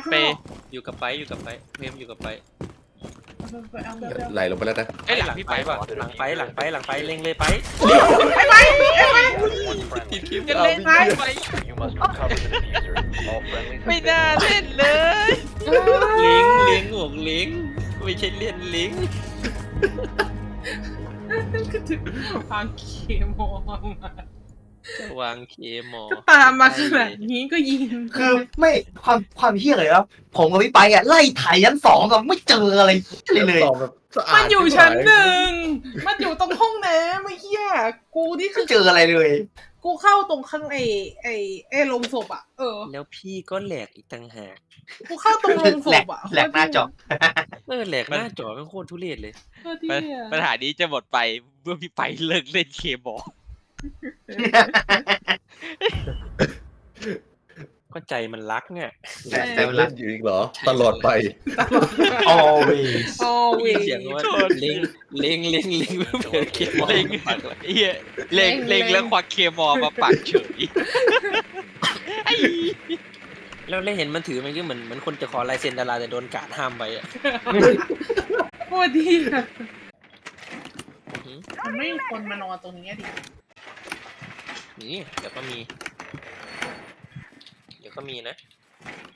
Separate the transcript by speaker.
Speaker 1: เปย์
Speaker 2: อยู่กับไปเพมอยู่กับไป
Speaker 3: ไหลลงไปแล้วนะ
Speaker 1: ไอ้หลังพี่ไปป่ะ
Speaker 2: หลังไปเล็งเลยไป
Speaker 1: ติดคลิปจะเล่นไปไม่น่าเล่นเลย
Speaker 2: ลิงหวงลิงไม่ใช่เล่นลิง
Speaker 4: ก็ถึงวางเคมอมาว
Speaker 2: างเคมอ
Speaker 4: ก็ตามมาขนาดนี้ก็ยิง
Speaker 5: คือไม่ความเฮี้ยเลยครับผมกับพี่ไปอ่ะไล่ไถ่ยัน2กับไม่เจออะไรเลย
Speaker 3: ตอบแบบสะอาด
Speaker 4: มันอยู่ชั้น1มันอยู่ตรงห้องน้ำไม่เฮี้ยกูนี่คื
Speaker 5: ไม่
Speaker 4: อ
Speaker 5: เจออะไรเลย
Speaker 4: กูเข้าตรงข้างไอ้โรงศพอ่ะ
Speaker 2: แล้วพี่ก็แหลกอีกต่างหาก
Speaker 4: กูเข้าตรงโรงศพอ่ะ
Speaker 5: แหลกหน้าจอ
Speaker 2: แหลกหน้าจอเป็นโคตรทุเรศเลย
Speaker 1: ปัญหานี้จะหมดไปเมื่อพี่ไปเลิกเล่นเคบอล
Speaker 2: ก็ใจมันรักเนี่ย
Speaker 3: แต่เล่นอยู่อีกเหรอ ตลอดไป
Speaker 5: always
Speaker 2: มีเสียงว่าเล็งเพื่อเคมอ
Speaker 1: เล็งเฮียเล็งแล้วควักเคมอลมาปักเฉย
Speaker 2: แล้วเห็นมันถือมันก็เหมือนคนจะขอลายเซ็นดาราแต่โดนกาดห้ามไปอ่ะ
Speaker 4: โคตรดีอะมันไม่มีคนมานอนตรงนี้ดิ
Speaker 2: นี่เดี๋ยวก็มีนะ